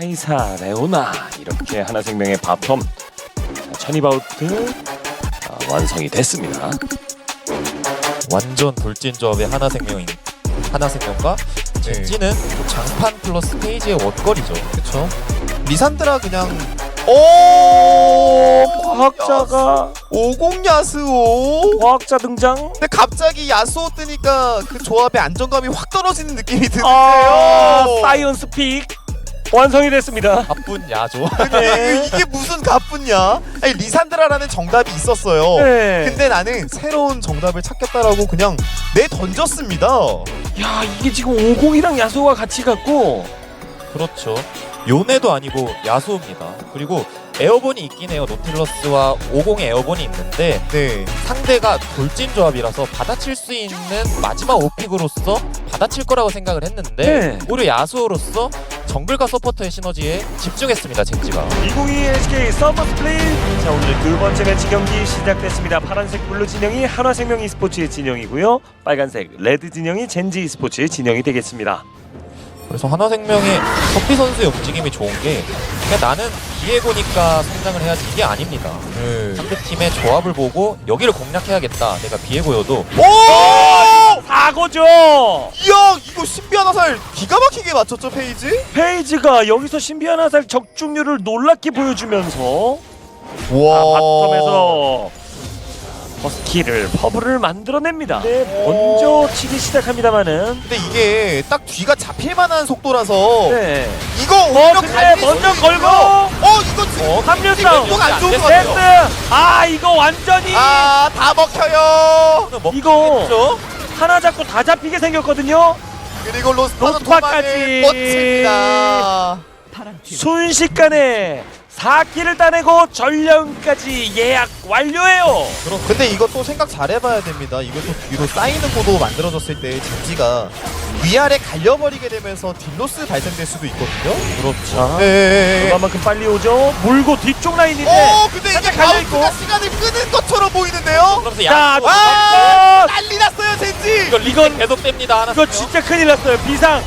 카이사, 레오나 이렇게 하나생명의 바텀 천이바우트 완성이 됐습니다. 완전 돌진 조합의 하나생명과 젠지는 장판 플러스 페이지의 원거리죠. 그쵸. 리산드라 그냥 과학자가 50 야스오. 과학자 등장. 근데 갑자기 야스오 뜨니까 그 조합의 안정감이 확 떨어지는 느낌이 드는데요. 사이언스 픽 완성이 됐습니다. 바쁜 야조. 이게 무슨 가뿐냐? 아니 리산드라라는 정답이 있었어요. 네. 근데 나는 새로운 정답을 찾겠다라고 그냥 내 던졌습니다. 야, 이게 지금 50이랑 야소가 같이 갔고. 그렇죠. 요네도 아니고 야수입니다. 그리고 에어본이 있긴 해요. 노틸러스와 50의 에어본이 있는데 네. 상대가 돌진 조합이라서 받아칠 수 있는 마지막 오픽으로서 받아칠 거라고 생각을 했는데 네. 오히려 야수로서 정글과 서포터의 시너지에 집중했습니다. 젠지가. 2022 SK 서머 스플릿. 자, 오늘 두 번째 매치 경기 시작됐습니다. 파란색 블루 진영이 한화생명 e스포츠의 진영이고요. 빨간색 레드 진영이 젠지 e스포츠의 진영이 되겠습니다. 그래서 하나생명의 커피 선수의 움직임이 좋은 게 그냥 나는 비에고니까 성장을 해야지 이게 아닙니다. 상대팀의 조합을 보고 여기를 공략해야겠다. 내가 비에고여도 오! 사고죠. 이야 이거 신비한 화살 기가 막히게 맞췄죠 페이지? 페이지가 여기서 신비한 화살 적중률을 놀랍게 보여주면서 와. 바텀에서 버스키를 퍼블을 만들어냅니다. 네, 먼저 치기 시작합니다만은. 근데 이게 딱 뒤가 잡힐 만한 속도라서 네. 이거 오히려 근데 갈릴 먼저 수도 걸고. 있고요. 이거 지금 합류 이거 싸움. 안 좋은 것 세트. 같아요. 아, 이거 완전히 다 먹혀요. 이거 하나 잡고 다 잡히게 생겼거든요. 그리고 로스파는 로스파까지. 도망을 뻗칩니다. 순식간에 4킬을 따내고 전령까지 예약 완료해요. 근데 이거 또 생각 잘 해봐야 됩니다. 이것도 뒤로 쌓이는 구도 만들어졌을 때 젠지가 위아래 갈려버리게 되면서 딜로스 발생될 수도 있거든요. 그렇죠. 네. 그만큼 빨리 오죠. 물고 뒤쪽 라인인데. 근데 이게 살짝 갈려있고. 바우트가 시간을 끄는 것처럼 보이는데요? 그러면서 자, 야수 난리 났어요 젠지! 이건 계속 뺍니다. 하나 이거 진짜 큰일 났어요. 비상.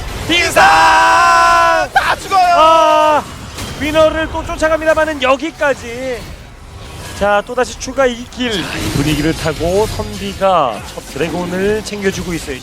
다 죽어요! 위너를 또 쫓아갑니다만은 여기까지. 자, 또다시 추가 2킬. 분위기를 타고 선비가 첫 드래곤을 챙겨주고 있어요.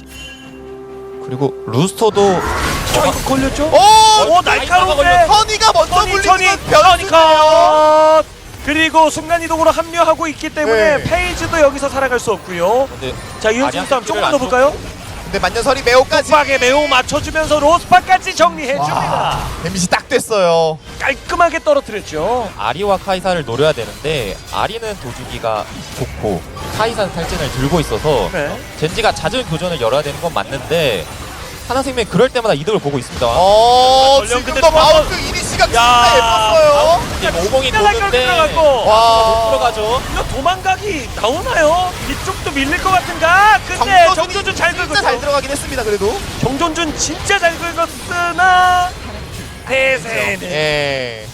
그리고 루스터도 이거 걸렸죠? 오! 날카로운데. 허니가 먼저 물리지만 변이 컷. 그리고 순간이동으로 합류하고 있기 때문에 네. 페이지도 여기서 살아갈 수 없고요. 근데 자, 이현승 싸움 조금만 더 볼까요? 근데 만년설이 매우까지 속박에 매우 맞춰주면서 로스파까지 정리해줍니다. 데미지 딱 됐어요. 깔끔하게 떨어뜨렸죠. 아리와 카이사를 노려야 되는데 아리는 도주기가 좋고 카이사는 탈진을 들고 있어서 네. 젠지가 잦은 교전을 열어야 되는 건 맞는데 하나생명이 그럴 때마다 이득을 보고 있습니다. 전령 근데 지금도 또 한번- 바우트 이니시가 진짜 야. 예뻤어요. 지금 50이 끝나갈 도는데 끝나갔고. 못 들어가죠. 이거 도망가기 나오나요? 뒤쪽도 밀릴 것 같은가? 근데 정조준 잘 진짜 잘 긁었어. 들어가긴 했습니다. 그래도. 정조준 진짜 잘 긁었으나 대세네. 예.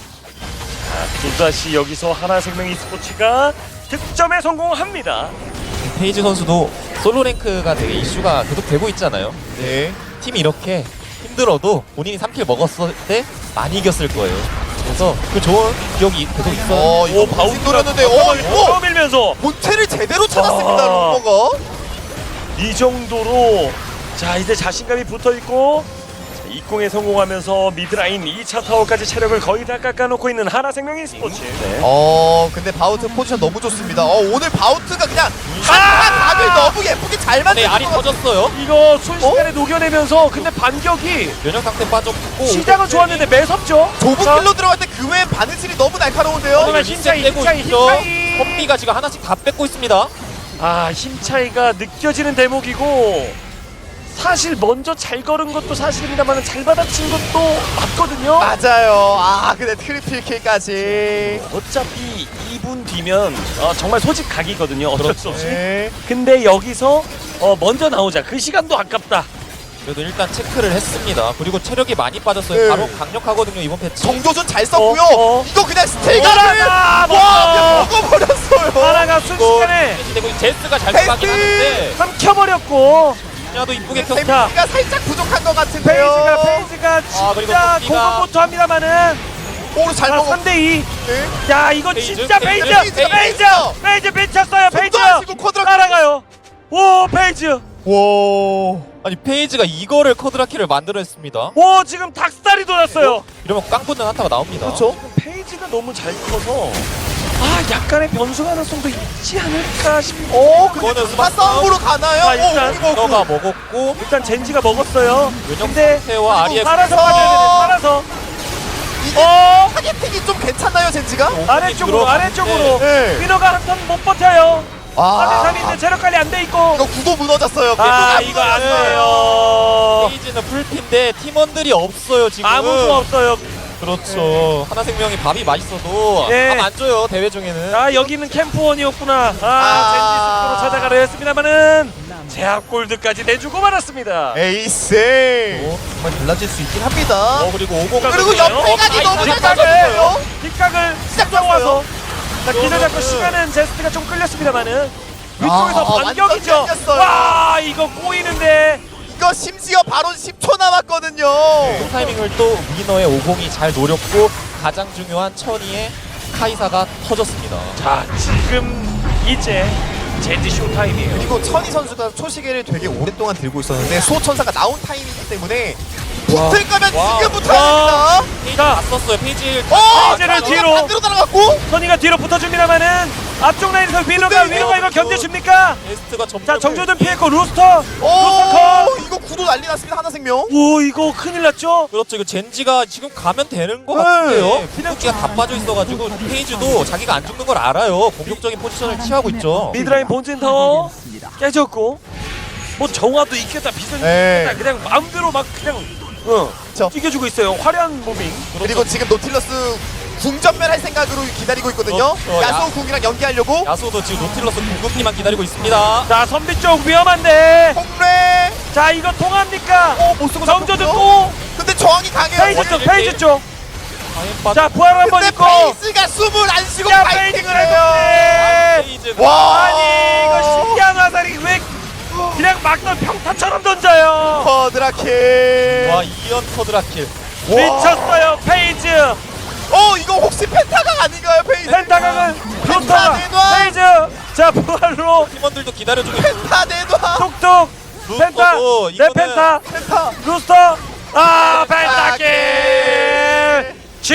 또다시 여기서 하나생명 e스포츠가 득점에 성공합니다. 페이지 선수도 솔로 랭크가 되게 이슈가 계속 되고 있잖아요. 네. 팀이 이렇게 힘들어도 본인이 3킬 먹었을 때 많이 이겼을 거예요. 그래서 그 좋은 기억이 계속 있어요. 이거 바우트 노렸는데 밀면서 본체를 제대로 찾았습니다. 아. 롱버가. 이 정도로 자 이제 자신감이 붙어있고 입공에 성공하면서 미드라인 2차 타워까지 체력을 거의 다 깎아놓고 있는 하나생명 e스포츠. 네. 근데 바우트 포지션 너무 좋습니다. 오늘 바우트가 그냥 한 각을 너무 예쁘게 잘 네, 만든 알이 터졌어요. 이거 순식간에 녹여내면서 근데 반격이 면역 상태 빠졌고 시작은 좋았는데 매섭죠? 좁은 길로 들어갈 때 그 외엔 바느질이 너무 날카로운데요. 하지만 힘차이, 힘차이. 컴비가 지금 하나씩 다 뺏고 있습니다. 아, 힘차이가 느껴지는 대목이고 사실 먼저 잘 걸은 것도 사실입니다만 잘 받아친 것도 맞거든요. 맞아요. 근데 트리플 킬까지. 어차피 2분 뒤면 정말 소집 각이거든요. 어쩔 수 없이. 네. 근데 여기서 먼저 나오자. 그 시간도 아깝다. 그래도 일단 체크를 했습니다. 그리고 체력이 많이 빠졌어요. 네. 바로 강력하거든요 이번 패치. 정조준 잘 썼고요. 이거 그냥 스틸가를 하나 와 그냥 먹어버렸어요. 하나가 순식간에 되고 제스가 잘 패스! 들어가긴 하는데 삼켜버렸고 야도 이쁘게 켰. 데미지가 살짝 부족한 것 같은데요. 페이지가 그리고 진짜 토끼가- 고군분투 합니다만은 오늘 잘 자, 먹어. 3대2. 네. 야, 이거 페이지, 진짜 페이지! 페이지, 페이지 미쳤어요, 페이지! 손도 안 쉬고 쿼드라킬. 따라가요. 오, 페이지! 와. 아니 페이지가 이거를 커드라키를 만들어냈습니다. 오, 지금 닭살이 돋았어요. 이러면 깡 붙는 한타가 나옵니다. 그렇죠. 페이지가 너무 잘 커서 약간의 변수 가능성도 있지 않을까 싶어. 근데 이거는 스마 싸움으로 가나요? 자, 일단 이거 너가 먹었고 일단 젠지가 먹었어요. 근데 태와 아리에 살아서 그래서- 가져야 되네. 살아서. 이게 어, 타겟팅이 좀 괜찮나요, 젠지가? 아래쪽으로 아래쪽으로. 네. 위너가 한 턴 못 버텨요. 3대3인데 체력 관리 안 돼 있고. 이거 구도 무너졌어요. 이거 안 돼요. 페이지는 풀핀데 팀원들이 없어요 지금. 아무도 없어요. 그렇죠. 하나생명이 밥이 맛있어도 네. 밥 안 줘요 대회 중에는. 여기는 캠프원이었구나. 젠지 숲으로 찾아가려 했습니다만은 제압 골드까지 내주고 말았습니다. 에이스. 정말 달라질 수 있긴 합니다. 그리고 50. 그리고 옆에까지 너무 잘 뒷각을 잡았어요. 뒷각을 시작 와서 자, 기를 잡고 이거는- 시간은 제스트가 좀 끌렸습니다만은 위쪽에서 반격이죠. 완전 끌렸어요. 와, 이거 꼬이는데. 이거 심지어 바로 10초 남았거든요. 타이밍을 또 위너의 50이 잘 노렸고 가장 중요한 천이의 카이사가 터졌습니다. 자, 지금 이제 젠지 쇼타임이에요. 그리고 천희 선수가 초시계를 되게 오랫동안 들고 있었는데 소천사가 나온 타이밍이기 때문에 붙을 거면 와. 지금부터 해야 됩니다. 페이지 자. 다 썼어요. 페이지. 페이지를 천희가 뒤로. 반대로 날아갔고 선이가 뒤로 붙어줍니다만은 앞쪽 라인에서 위너가 이걸 견뎌줍니까? 베스트가 점점. 자, 정조준 피했고 루스터. 이거 구도 난리 났습니다. 하나생명. 오, 이거 큰일 났죠? 그렇죠. 이거 젠지가 지금 가면 되는 것 네. 같은데요. 궁극기가 다 빠져 있어가지고 페이지도 자기가 안 죽는 걸 알아요. 공격적인 포지션을 취하고 있죠. 미드라인 본진 타워 깨졌고 뭐 정화도 있겠다 비전 네. 있겠다 그냥 마음대로 막 그냥 그쵸. 뛰겨주고 있어요. 화려한 무빙. 그리고 지금 노틸러스 궁전멸 할 생각으로 기다리고 있거든요. 그렇죠. 야소 궁이랑 연기하려고. 야수도 지금 노틸러스 궁극기만 기다리고 있습니다. 자, 선비 쪽 위험한데. 홍래. 자, 이거 통합니까? 못 쓰고 정조준 잡혔고요. 또 근데 저항이 강해요. 페이지 쪽 페이지 쪽. 자, 자, 부활 한번 근데 있고. 페이스가 숨을 안 쉬고 야, 파이팅을 페이징을 해요. 했는데. 와. 아니, 이거 신기한 화살이 왜 그냥 막던 평타처럼 던져요. 커드라킬. 와, 이연 커드라킬. 미쳤어요, 페이지. 이거 혹시 펜타강 아닌가요, 페이스? 펜타강은 루스터가 내놔. 페이지. 자, 부활로 팀원들도 기다려주고 있고. 펜타 내놔. 뚝뚝. 펜타. 루스터도 내 이거는- 펜타. 펜타. 루스터. 펜타킬.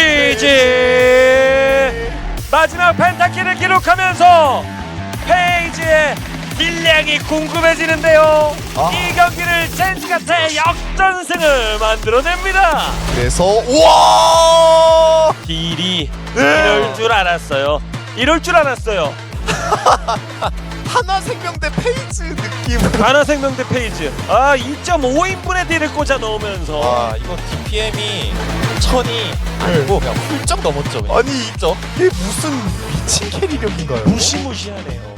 GG. 마지막 펜타킬을 기록하면서 페이지의 딜량이 궁금해지는데요. 이 경기를 젠지가 대역전승을 만들어냅니다. 그래서 우와. 딜이 이럴 줄 알았어요. 이럴 줄 알았어요. 하나생명대 페이지 느낌. 하나생명대 페이지. 2.5인분의 딜을 꽂아 넣으면서 와, 이거 DPM이 천이 아니고 그냥 훌쩍 넘었죠. 그냥. 아니 훌쩍. 이게 무슨 미친 캐리력인가요? 무시무시하네요.